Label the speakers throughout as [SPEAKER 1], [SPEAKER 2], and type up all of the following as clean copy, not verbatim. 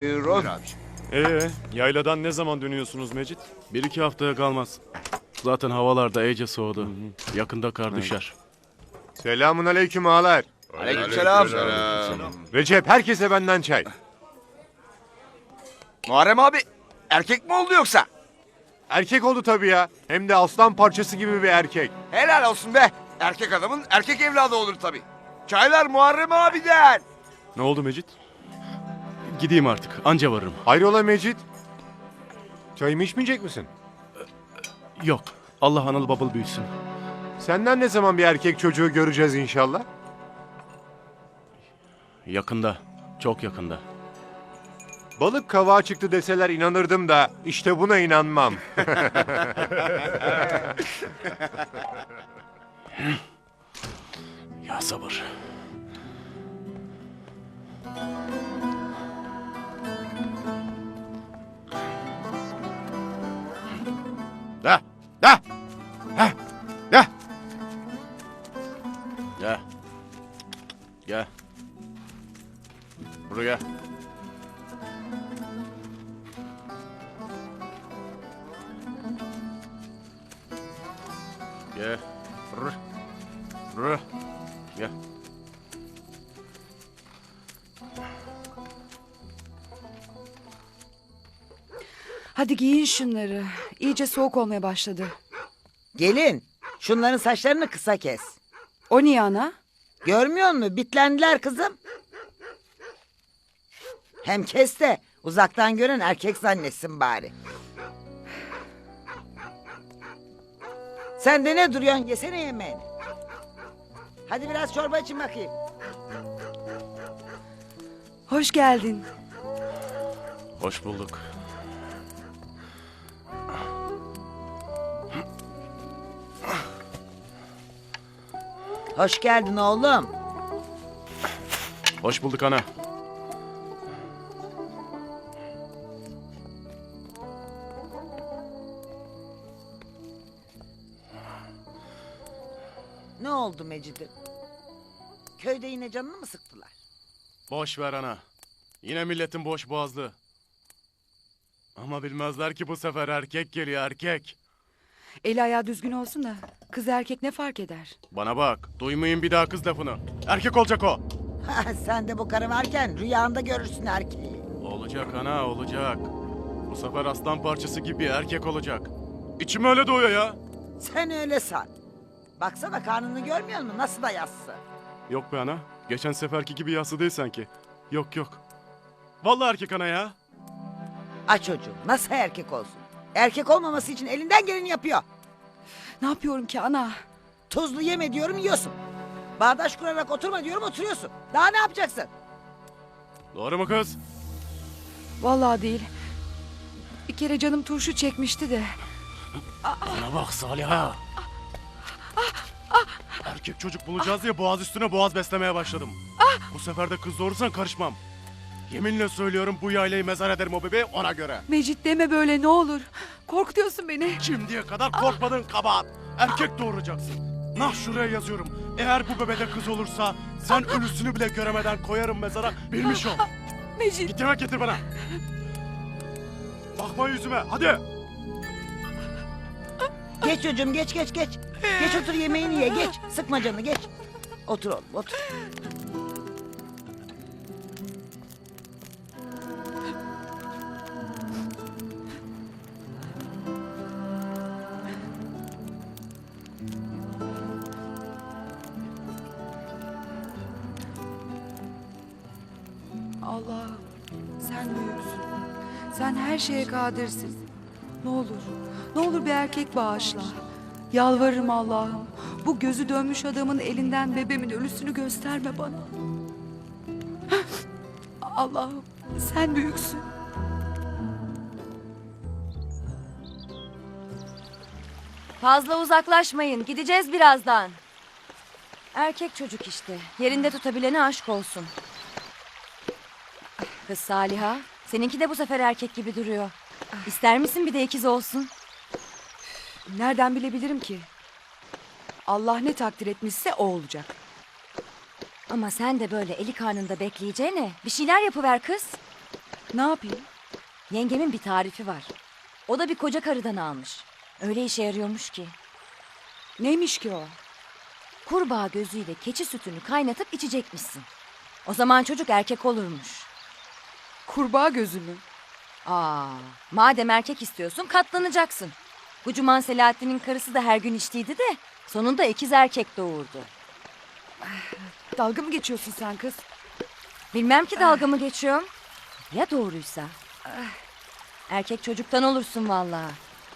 [SPEAKER 1] Buyur
[SPEAKER 2] Yayladan ne zaman dönüyorsunuz Mecit?
[SPEAKER 3] 1-2 haftaya kalmaz. Zaten havalar da iyice soğudu. Yakında kar düşer.
[SPEAKER 1] Selamun aleyküm ağalar.
[SPEAKER 4] Aleykümselam.
[SPEAKER 1] Recep, herkese benden çay.
[SPEAKER 4] Muharrem abi erkek mi oldu yoksa?
[SPEAKER 1] Erkek oldu tabii ya. Hem de aslan parçası gibi bir erkek.
[SPEAKER 4] Helal olsun be. Erkek adamın erkek evladı olur tabii. Çaylar Muharrem abiden.
[SPEAKER 2] Ne oldu Mecit?
[SPEAKER 3] Gideyim artık. Anca varırım.
[SPEAKER 1] Hayrola Mecit? Çayımı içmeyecek misin?
[SPEAKER 3] Yok. Allah analı babalı büyüsün.
[SPEAKER 1] Senden ne zaman bir erkek çocuğu göreceğiz inşallah?
[SPEAKER 3] Yakında. Çok yakında.
[SPEAKER 1] Balık kavağa çıktı deseler inanırdım da işte buna inanmam.
[SPEAKER 3] Ya sabır.
[SPEAKER 4] Da. Da.
[SPEAKER 3] Gel. Gel. Buraya. Gel. Gel.
[SPEAKER 5] Hadi giyin şunları. İyice soğuk olmaya başladı.
[SPEAKER 6] Gelin, şunların saçlarını kısa kes.
[SPEAKER 5] O niye ana?
[SPEAKER 6] Görmüyor musun? Bitlendiler kızım. Hem kes de uzaktan gören erkek zannetsin bari. Sen de ne duruyorsun? Yesene yemeğini. Hadi biraz çorba için bakayım.
[SPEAKER 5] Hoş geldin.
[SPEAKER 3] Hoş bulduk.
[SPEAKER 6] Hoş geldin oğlum.
[SPEAKER 3] Hoş bulduk ana.
[SPEAKER 6] Ne oldu Mecid'im? Köyde yine canını mı sıktılar?
[SPEAKER 3] Boş ver ana. Yine milletin boş boğazlı. Ama bilmezler ki bu sefer erkek geliyor erkek.
[SPEAKER 5] Eli ayağı düzgün olsun da kız erkek ne fark eder?
[SPEAKER 3] Bana bak, duymayın bir daha kız lafını. Erkek olacak o.
[SPEAKER 6] Sen de bu karı varken rüyanda görürsün erkeği.
[SPEAKER 3] Olacak ana, olacak. Bu sefer aslan parçası gibi erkek olacak. İçim öyle doğuyor ya.
[SPEAKER 6] Sen öyle san. Baksana karnını görmüyor musun? Nasıl da yassı.
[SPEAKER 3] Yok be ana, geçen seferki gibi yassı değil sanki. Yok yok. Vallahi erkek ana ya.
[SPEAKER 6] Aç çocuğum, nasıl erkek olsun? Erkek olmaması için elinden geleni yapıyor.
[SPEAKER 5] Ne yapıyorum ki ana?
[SPEAKER 6] Tuzlu yeme diyorum yiyorsun. Bağdaş kurarak oturma diyorum oturuyorsun. Daha ne yapacaksın?
[SPEAKER 3] Doğru mu kız?
[SPEAKER 5] Vallahi değil. Bir kere canım turşu çekmişti de.
[SPEAKER 3] Bana bak Saliha. Erkek çocuk bulacağız diye boğaz üstüne boğaz beslemeye başladım. Bu sefer de kız doğurursan karışmam. Yeminle söylüyorum bu yaylayı mezar ederim o bebeği ona göre.
[SPEAKER 5] Mecit deme böyle ne olur. Korkutuyorsun beni.
[SPEAKER 3] Şimdiye kadar korkmadın kabahat. Erkek doğuracaksın. Nah şuraya yazıyorum. Eğer bu bebede kız olursa sen ölüsünü bile göremeden koyarım mezara bilmiş ol.
[SPEAKER 5] Mecit.
[SPEAKER 3] Git yemek getir bana. Bakma yüzüme hadi.
[SPEAKER 6] Geç çocuğum geç. Geç otur yemeğini ye geç. Sıkma canını geç. Otur oğlum otur.
[SPEAKER 5] Allah'ım sen büyüksün. Sen her şeye kadirsin. Ne olur, ne olur bir erkek bağışla. Yalvarırım Allah'ım. Bu gözü dönmüş adamın elinden bebeğimin ölüsünü gösterme bana. Allah'ım sen büyüksün.
[SPEAKER 7] Fazla uzaklaşmayın. Gideceğiz birazdan. Erkek çocuk işte. Yerinde tutabilene aşk olsun. Kız Saliha, seninki de bu sefer erkek gibi duruyor. İster misin bir de ikiz olsun?
[SPEAKER 5] Nereden bilebilirim ki? Allah ne takdir etmişse o olacak.
[SPEAKER 7] Ama sen de böyle eli karnında bekleyeceğine bir şeyler yapıver kız.
[SPEAKER 5] Ne yapayım?
[SPEAKER 7] Yengemin bir tarifi var. O da bir koca karıdan almış. Öyle işe yarıyormuş ki.
[SPEAKER 5] Neymiş ki o?
[SPEAKER 7] Kurbağa gözüyle keçi sütünü kaynatıp içecekmişsin. O zaman çocuk erkek olurmuş.
[SPEAKER 5] Kurbağa gözü mü?
[SPEAKER 7] Madem erkek istiyorsun katlanacaksın. Gucuman Selahattin'in karısı da her gün içtiydi de sonunda ikiz erkek doğurdu.
[SPEAKER 5] Dalga mı geçiyorsun sen kız?
[SPEAKER 7] Bilmem ki dalga mı geçiyorum. Ya doğruysa? Erkek çocuktan olursun vallahi.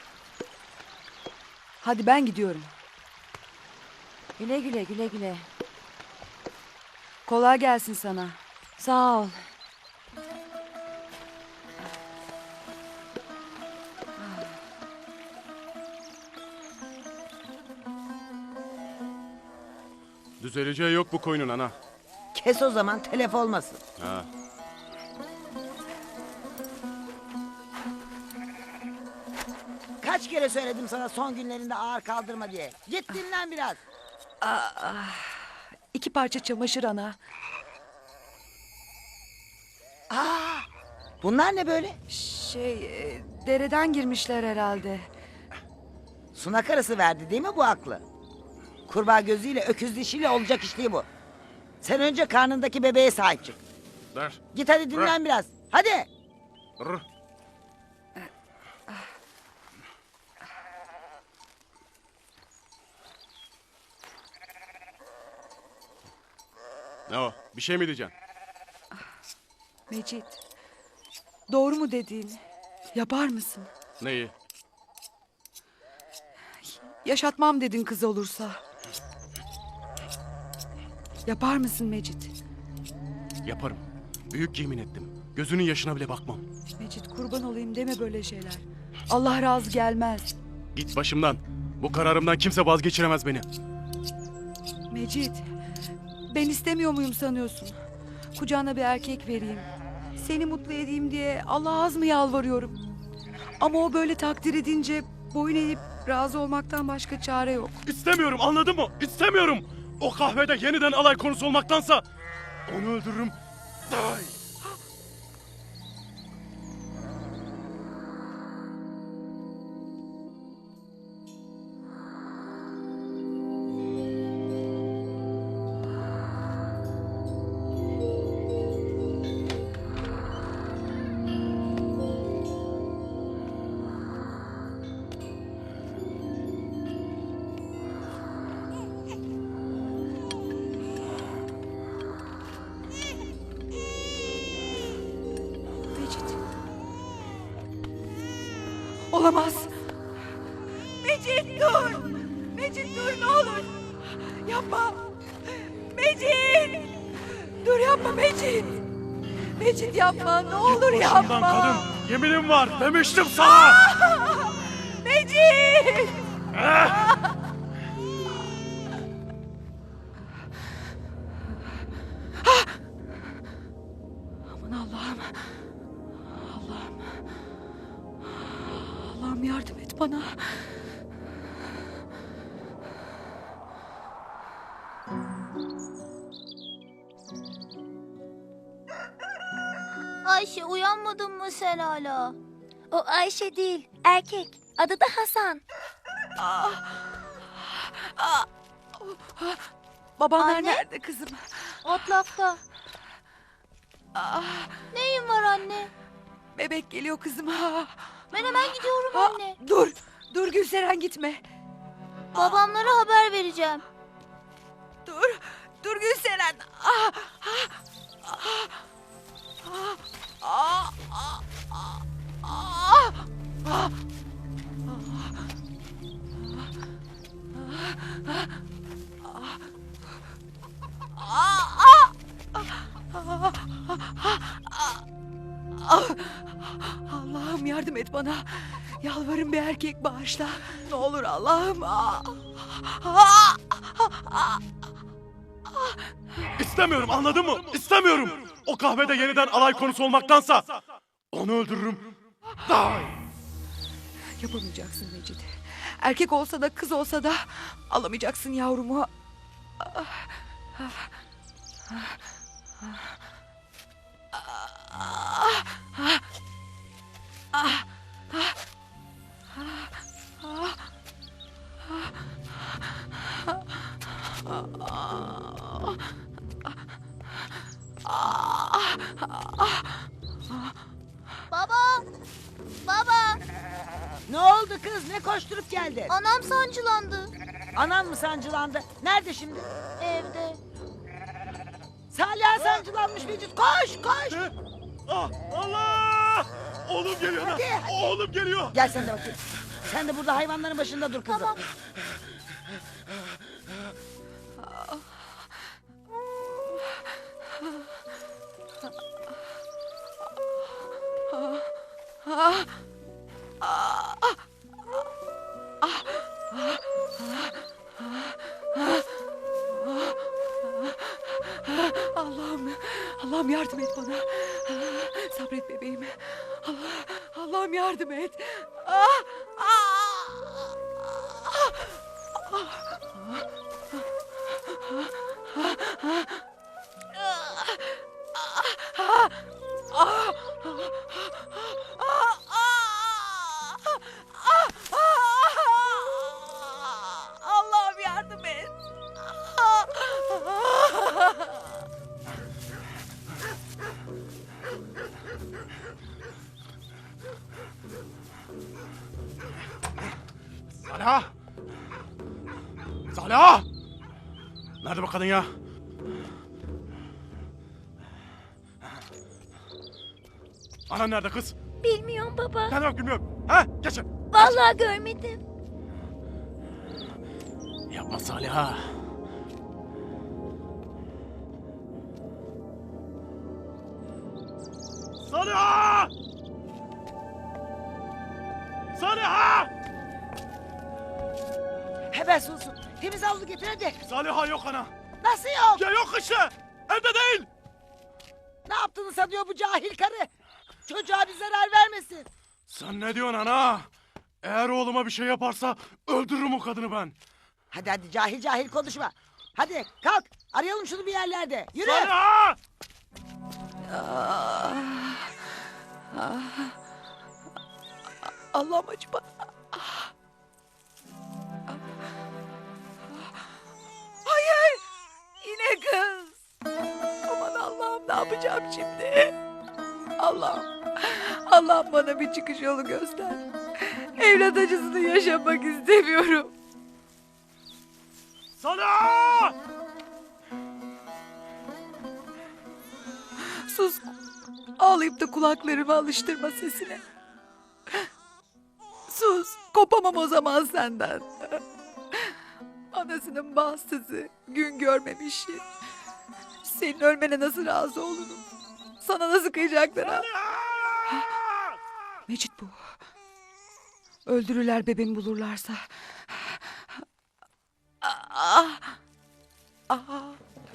[SPEAKER 5] Hadi ben gidiyorum.
[SPEAKER 7] Güle güle güle güle.
[SPEAKER 5] Kolay gelsin sana.
[SPEAKER 7] Sağ ol.
[SPEAKER 3] Düzeleceği yok bu koyunun ana.
[SPEAKER 6] Kes o zaman telef olmasın.
[SPEAKER 3] Ha.
[SPEAKER 6] Kaç kere söyledim sana son günlerinde ağır kaldırma diye. Git dinlen biraz.
[SPEAKER 5] 2 parça çamaşır ana.
[SPEAKER 6] Bunlar ne böyle?
[SPEAKER 5] Dereden girmişler herhalde.
[SPEAKER 6] Suna karısı verdi değil mi bu aklı? Kurbağa gözüyle öküz dişiyle olacak iş değil bu. Sen önce karnındaki bebeğe sahip çık.
[SPEAKER 3] Der.
[SPEAKER 6] Git hadi dinlen biraz. Hadi.
[SPEAKER 3] Rr. Ne o? Bir şey mi diyeceksin?
[SPEAKER 5] Mecit. Doğru mu dediğin? Yapar mısın?
[SPEAKER 3] Neyi?
[SPEAKER 5] Yaşatmam dedin kız olursa. Yapar mısın Mecit?
[SPEAKER 3] Yaparım. Büyük yemin ettim. Gözünün yaşına bile bakmam.
[SPEAKER 5] Mecit kurban olayım deme böyle şeyler. Allah razı gelmez.
[SPEAKER 3] Git başımdan. Bu kararımdan kimse vazgeçiremez beni.
[SPEAKER 5] Mecit. Ben istemiyor muyum sanıyorsun? Kucağına bir erkek vereyim. Seni mutlu edeyim diye Allah'a az mı yalvarıyorum? Ama o böyle takdir edince boyun eğip razı olmaktan başka çare yok.
[SPEAKER 3] İstemiyorum, anladın mı? İstemiyorum. O kahvede yeniden alay konusu olmaktansa onu öldürürüm. Daha iyi.
[SPEAKER 5] Mecit. Olamaz. Mecit dur. Mecit dur ne olur. Yapma. Mecit. Dur yapma Mecit. Mecit yapma ne olur yapma.
[SPEAKER 3] Başımdan kadın, yeminim var demiştim sana.
[SPEAKER 5] Mecit. Aman Allah'ım. Allah'ım. Allah'ım yardım et bana.
[SPEAKER 8] Ayşe uyanmadın mı sen hala? O Ayşe değil, erkek. Adı da Hasan.
[SPEAKER 5] Babanlar
[SPEAKER 8] Anne?
[SPEAKER 5] nerede kızım?
[SPEAKER 8] Otlakta. Neyin var anne?
[SPEAKER 5] Bebek geliyor kızım.
[SPEAKER 8] Ben hemen gidiyorum anne.
[SPEAKER 5] Dur. Dur Gülseren gitme.
[SPEAKER 8] Babamlara haber vereceğim.
[SPEAKER 5] Dur. Dur Gülseren. Allah'ım yardım et bana. Yalvarırım bir erkek bağışla. Ne olur Allah'ım.
[SPEAKER 3] İstemiyorum, anladın mı? İstemiyorum. O kahvede yeniden alay konusu olmaktansa onu öldürürüm. Daha iyi.
[SPEAKER 5] Yapamayacaksın Mecit. Erkek olsa da kız olsa da alamayacaksın yavrumu.
[SPEAKER 8] Baba! Baba!
[SPEAKER 6] Ne oldu kız? Ne koşturup geldin?
[SPEAKER 8] Anam sancılandı.
[SPEAKER 6] Anan mı sancılandı? Nerede şimdi?
[SPEAKER 8] Evde.
[SPEAKER 6] Salih sancılanmış Mecit. Koş koş.
[SPEAKER 3] Ah, Allah! Oğlum geliyor lan.
[SPEAKER 6] Hadi, hadi.
[SPEAKER 3] Oğlum geliyor.
[SPEAKER 6] Gel sen de bakayım. Sen de burada hayvanların başında dur kızım.
[SPEAKER 8] Tamam.
[SPEAKER 5] Allah'ım, Allah'ım yardım et bana. Sabret bebeğim. Allah'ım yardım et. Allah'ım yardım et.
[SPEAKER 3] Saliha! Saliha! Nerede bu kadın ya? Anan nerede kız?
[SPEAKER 8] Bilmiyorum baba.
[SPEAKER 3] Ne demek bilmiyorum. Ha? Geç.
[SPEAKER 8] Vallahi görmedim.
[SPEAKER 3] Yapma Saliha. Saliha! Saliha!
[SPEAKER 6] Hemen sulsun. Temiz havlu getir hadi.
[SPEAKER 3] Saliha yok ana.
[SPEAKER 6] Nasıl yok?
[SPEAKER 3] Ya yok işte. Evde değil.
[SPEAKER 6] Ne yaptığını sanıyor bu cahil karı? Çocuğa bir zarar vermesin.
[SPEAKER 3] Sen ne diyorsun ana? Eğer oğluma bir şey yaparsa öldürürüm o kadını ben.
[SPEAKER 6] Hadi hadi cahil cahil konuşma. Hadi kalk arayalım şunu bir yerlerde. Yürü.
[SPEAKER 3] Saliha!
[SPEAKER 5] Allah'ım acı bana. Hayır. Yine kız. Aman Allah'ım ne yapacağım şimdi? Allah'ım. Allah'ım bana bir çıkış yolu göster. Evlat acısını yaşamak istemiyorum.
[SPEAKER 3] Saliha!
[SPEAKER 5] Sus. Ağlayıp da kulaklarımı alıştırma sesine. Sus. Kopamam o zaman senden. Anasının bahtsızı, gün görmemişi. Senin ölmene nasıl razı olurum? Sana nasıl kıyacaklar ha? Mecit bu. Öldürürler bebeğimi bulurlarsa. Ah! Ah!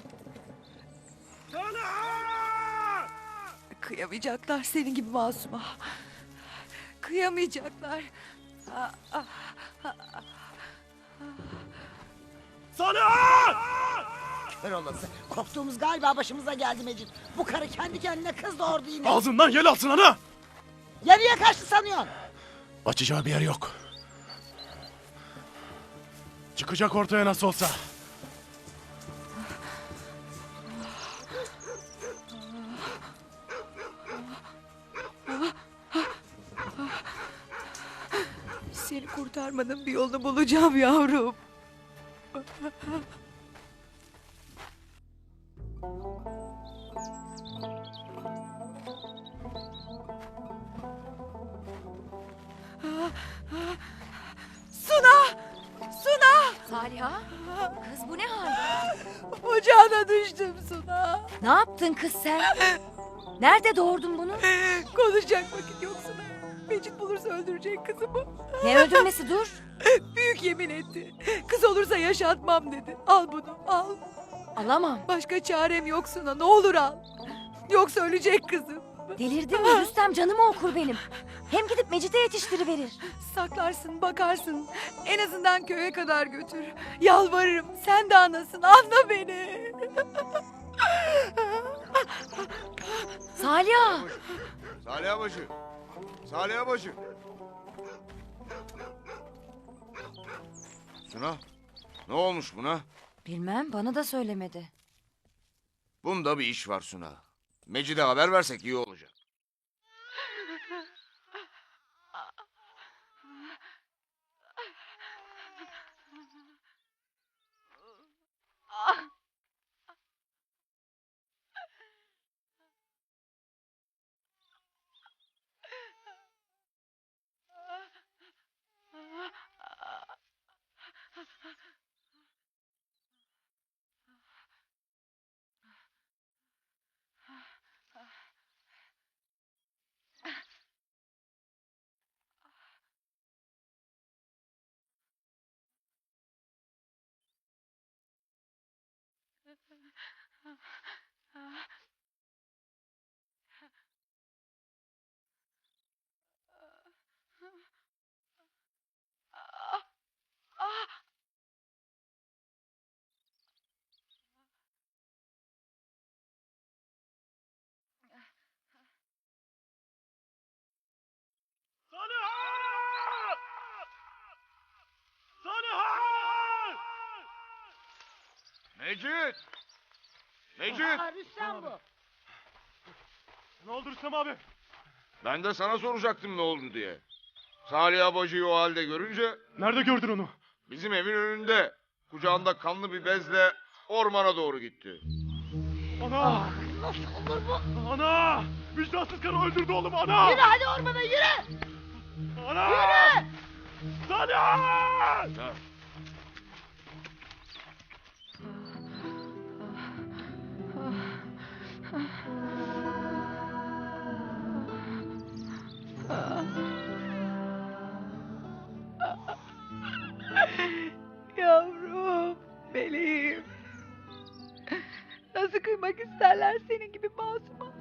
[SPEAKER 5] Kıyamayacaklar senin gibi masuma. Kıyamayacaklar.
[SPEAKER 3] Saliha!
[SPEAKER 6] Kör olası. Korktuğumuz galiba başımıza geldi Mecit. Bu karı kendi kendine kız doğurdu yine.
[SPEAKER 3] Ağzından yel alsın ana.
[SPEAKER 6] Yarıya kaçtı sanıyorsun.
[SPEAKER 3] Açacağı bir yer yok. Çıkacak ortaya nasıl olsa.
[SPEAKER 5] Seni kurtarmanın bir yolunu bulacağım yavrum. Suna! Suna!
[SPEAKER 7] Saliha? Kız bu ne hal?
[SPEAKER 5] Ocağına düştüm Suna.
[SPEAKER 7] Ne yaptın kız sen? Nerede doğurdun bunu?
[SPEAKER 5] Konuşacak vakit yok Suna. Mecit bulursa öldürecek kızımı.
[SPEAKER 7] Ne öldürmesi dur.
[SPEAKER 5] Büyük yemin etti. Kız olursa yaşatmam dedi. Al bunu al.
[SPEAKER 7] Alamam.
[SPEAKER 5] Başka çarem yok Suna, ne olur al. Yoksa ölecek kızım.
[SPEAKER 7] Delirdin mi Rüstem, canımı okur benim. Hem gidip Mecit'e yetiştiriverir.
[SPEAKER 5] Saklarsın bakarsın. En azından köye kadar götür. Yalvarırım sen de anasın, anla beni.
[SPEAKER 7] Salih!
[SPEAKER 4] Salih Bacı. Salih Bacı. Suna, ne olmuş buna?
[SPEAKER 7] Bilmem, bana da söylemedi.
[SPEAKER 4] Bunda bir iş var Suna. Mecid'e haber versek iyi olacak. Mecid! Mecid!
[SPEAKER 6] Rüstem bu.
[SPEAKER 3] Ne oldu Rüstem abi?
[SPEAKER 4] Ben de sana soracaktım ne oldu diye. Salih Bacı'yı o halde görünce
[SPEAKER 3] Nerede gördün onu?
[SPEAKER 4] bizim evin önünde kucağında kanlı bir bezle ormana doğru gitti.
[SPEAKER 3] Ana!
[SPEAKER 6] Nasıl olur bu?
[SPEAKER 3] Ana! Vicdansız karı öldürdü oğlumu ana!
[SPEAKER 6] Yürü hadi ormana yürü.
[SPEAKER 3] Ana!
[SPEAKER 6] Yürü.
[SPEAKER 3] Salih!
[SPEAKER 4] Ha.
[SPEAKER 5] Yavrum, meleğim. Nasıl kıymak isterler senin gibi masuma?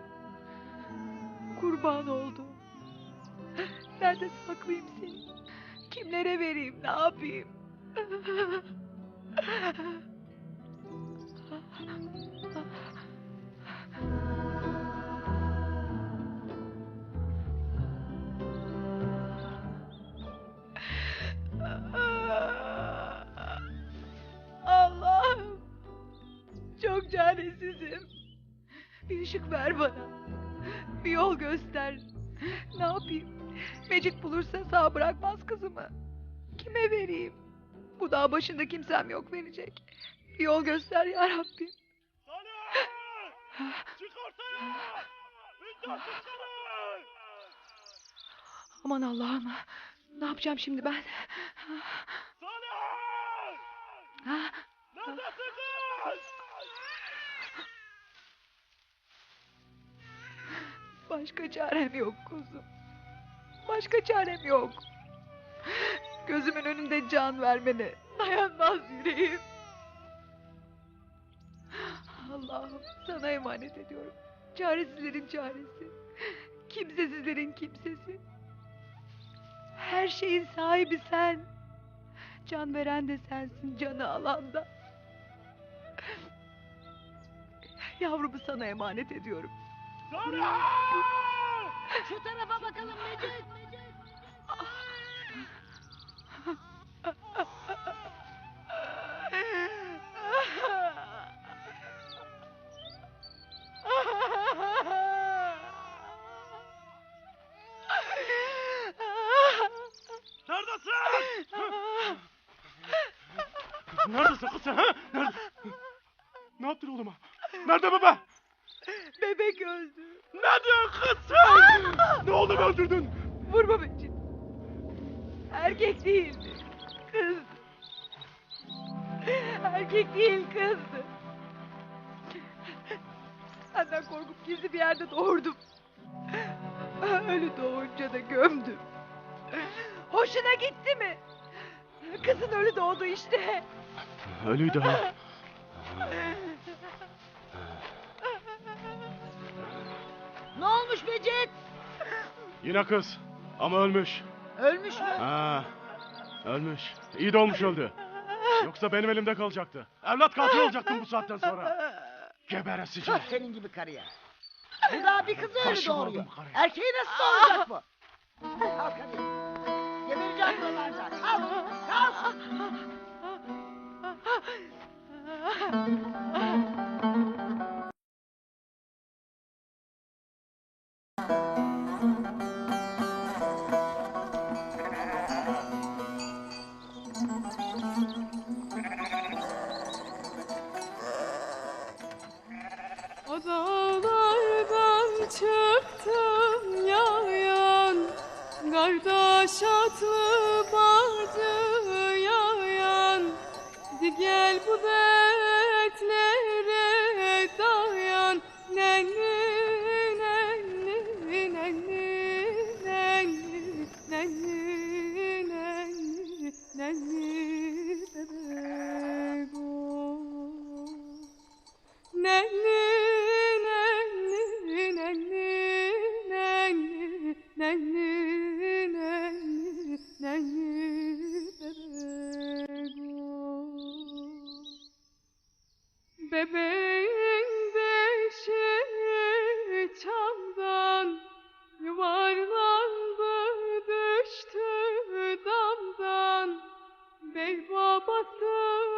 [SPEAKER 5] Kurban oldum. Nerede saklayayım seni? Kimlere vereyim, ne yapayım? Allah'ım, çok çaresizim. Bir ışık ver bana. Bir yol göster. Ne yapayım? Mecit bulursa sağ bırakmaz kızımı. Kime vereyim? Bu dağ başında kimsem yok verecek. Bir yol göster ya Rabbim.
[SPEAKER 3] Salih! Çık ortaya! Vicdansız karı!
[SPEAKER 5] Aman Allah'ım. Ne yapacağım şimdi ben?
[SPEAKER 3] Salih!
[SPEAKER 5] Ha?
[SPEAKER 3] Neredesin kız?
[SPEAKER 5] Başka çarem yok kuzum. Başka çarem yok. Gözümün önünde can vermene dayanmaz yüreğim. Allah'ım sana emanet ediyorum. Çaresizlerin çaresi. Kimsesizlerin kimsesi. Her şeyin sahibi sen. Can veren de sensin, canı alan da. Yavrumu sana emanet ediyorum.
[SPEAKER 6] Şu tarafa bakalım Mecid.
[SPEAKER 3] Neredesin? Neredesin kız sen ha? Nerede? Ne yaptın oğluma? Nerede baba?
[SPEAKER 5] Bebek öldü.
[SPEAKER 3] Ne diyorsun kız sen? Ne oldu öldürdün?
[SPEAKER 5] Vurma Mecid. Erkek değildi. Kızdı. Erkek değil kızdı. Senden korkup gizli bir yerde doğurdum. Ölü doğunca da gömdüm. Hoşuna gitti mi? Kızın ölü doğdu işte.
[SPEAKER 3] Ölüydü ha.
[SPEAKER 6] Ne olmuş Mecid?
[SPEAKER 3] Yine kız. Ama ölmüş.
[SPEAKER 6] Ölmüş mü?
[SPEAKER 3] Ha, ölmüş. İyi de olmuş öldü. Yoksa benim elimde kalacaktı. Evlat katil olacaktım bu saatten sonra. Geberesice.
[SPEAKER 6] Tüh senin gibi karıya. Bu daha bir kızı öyle
[SPEAKER 3] Başı
[SPEAKER 6] doğuruyor.
[SPEAKER 3] vurdum karıya.
[SPEAKER 6] Erkeği nasıl doğuracak bu? Kalk hadi. Gebereceğim buralarda. Kalk. Kalk.
[SPEAKER 9] Dağlardan çıktım yayan, kardeş atlı bacı yayan. Di gel bu dertlere dayan, nenni nenni nenni nenni nenni nenni nenni bebek o. Nenni nenni nenni nenni nenni nenni nenni bebek o. Bebeğin beşi çamdan yuvarlandı düştü damdan. Bey babası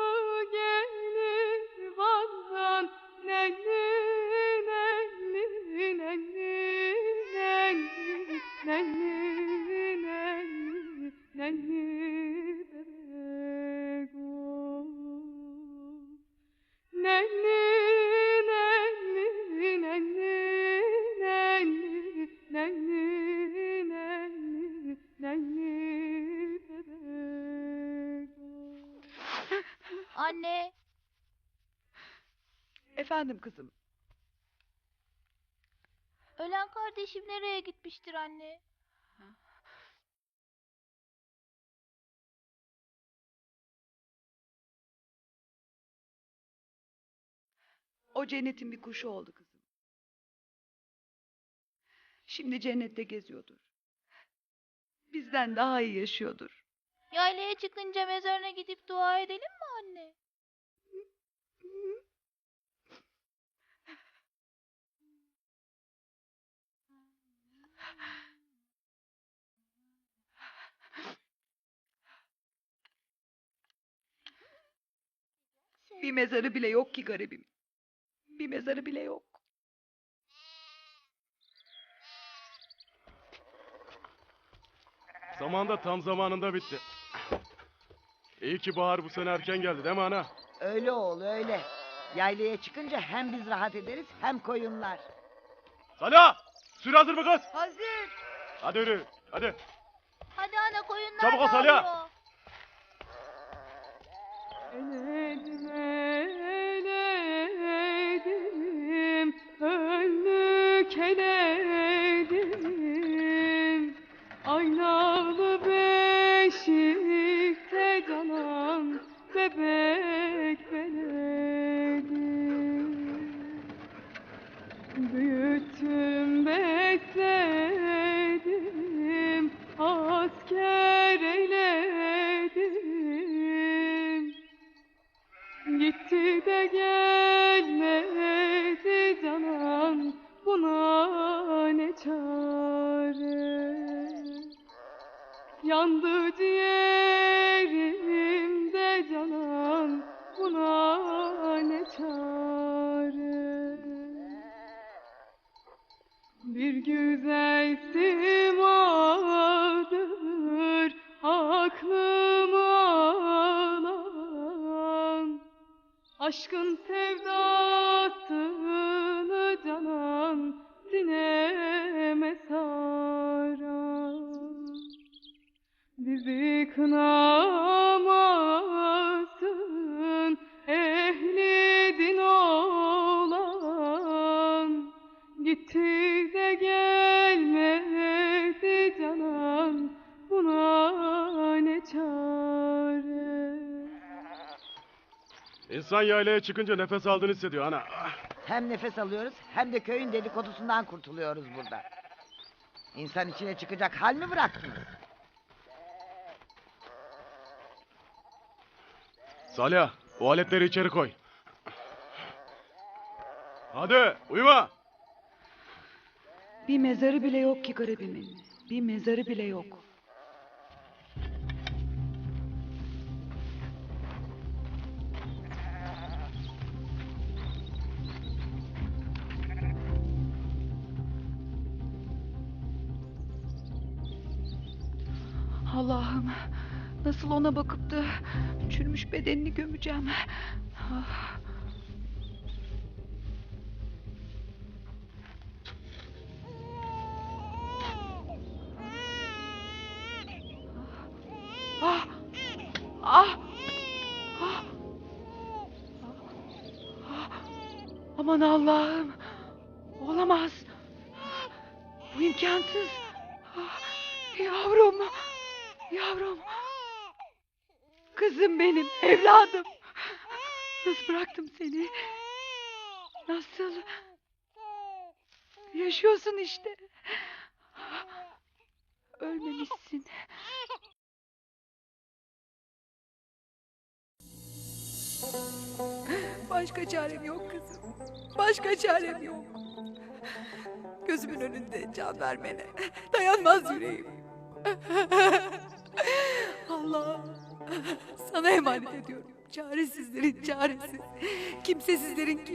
[SPEAKER 9] gelir vandan, nenni nenni nenni nenni nenni nenni nenni bebek o. Nenni nenni nenni nenni nenni nenni nenni bebek o.
[SPEAKER 8] Anne,
[SPEAKER 5] Efendim kızım.
[SPEAKER 8] ölen kardeşim nereye gitmiştir anne?
[SPEAKER 5] O cennetin bir kuşu oldu kızım. Şimdi cennette geziyordur. Bizden daha iyi yaşıyordur.
[SPEAKER 8] Yaylaya çıkınca mezarına gidip dua edelim mi anne?
[SPEAKER 5] Bir mezarı bile yok ki garibim. Bir mezarı bile yok.
[SPEAKER 2] Zamanda tam zamanında bitti. İyi ki bahar bu sene erken geldi değil mi ana?
[SPEAKER 6] Öyle oğul öyle. Yaylaya çıkınca hem biz rahat ederiz hem koyunlar.
[SPEAKER 2] Salih! Sürü hazır mı kız?
[SPEAKER 6] Hazır.
[SPEAKER 2] Hadi yürü, hadi.
[SPEAKER 8] Hadi ana koyunlar
[SPEAKER 2] Çabuk ol
[SPEAKER 8] da
[SPEAKER 2] Salih.
[SPEAKER 8] ağlıyor.
[SPEAKER 9] Eledim eledim, önlük eledim. Aynalı beşikte canan bebek beledim. Büyüttüm besledim, asker eyledim. Gitti de gelmedi canan, buna ne çare? Yandı ciğerimde canan, buna ne çare? Bir güzel simadır aklımı alan, aşkın sevdasını canan sineme saran. Bizi kınamasın ehli din olan, gitti de gelmedi canan, buna ne çare?
[SPEAKER 2] İnsan yaylaya çıkınca nefes aldığını hissediyor ana.
[SPEAKER 6] Hem nefes alıyoruz hem de köyün dedikodusundan kurtuluyoruz burada. İnsan içine çıkacak hal mi bıraktınız?
[SPEAKER 2] Salih, o aletleri içeri koy. Hadi uyuma.
[SPEAKER 5] Bir mezarı bile yok ki garibimin. Bir mezarı bile yok. Allah'ım, nasıl ona bakıp da çürümüş bedenini gömeceğim. Ah. Ah! Ah! Ah! Ah! Aman Allah'ım! Olamaz! Bu imkansız! Ah! Yavrum! Yavrum! Kızım benim, evladım! Nasıl bıraktım seni? Nasıl? Yaşıyorsun işte. Ölmemişsin. Başka çarem yok kızım. Başka çarem yok. Gözümün önünde can vermene dayanmaz yüreğim. Allah'ım sana emanet ediyorum. Çaresizlerin çaresi. Kimsesizlerin